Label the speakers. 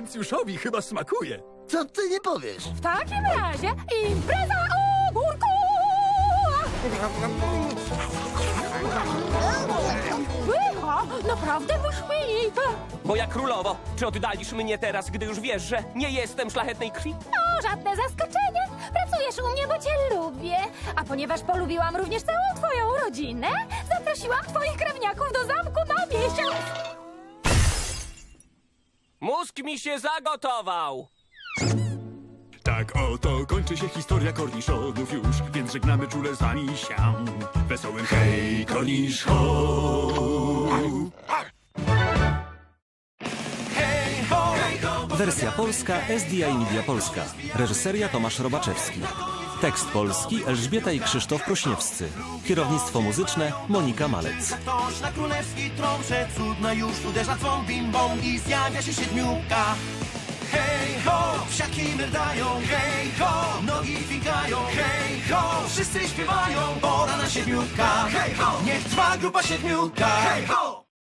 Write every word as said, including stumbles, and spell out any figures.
Speaker 1: Atencjuszowi chyba smakuje.
Speaker 2: Co ty nie powiesz?
Speaker 3: W takim razie impreza ogórku! Pycha, naprawdę wyśmienite.
Speaker 4: Moja królowo, czy oddalisz mnie teraz, gdy już wiesz, że nie jestem szlachetnej krwi?
Speaker 3: O, żadne zaskoczenie. Pracujesz u mnie, bo cię lubię. A ponieważ polubiłam również całą twoją rodzinę, zaprosiłam twoich krewniaków do zamku na miesiąc.
Speaker 4: Mózg mi się zagotował!
Speaker 1: Tak oto kończy się historia korniszonów już, więc żegnamy czule z wami się. Wesołym hej, kornisz ho!
Speaker 5: Wersja polska S D I Media Polska. Reżyseria Tomasz Robaczewski. Tekst polski Elżbieta i Krzysztof Prośniewscy. Kierownictwo muzyczne Monika Malec.
Speaker 6: Ktoś na królewski trąbce cudna już uderza dzwon bim bom i zjawia się siedmiuka. Hej ho, psiaki merdają, hej ho, nogi fikają, hej ho, wszyscy śpiewają, pora na siedmiuka. Hej ho, niech trwa grupa siedmiuka. Hej ho.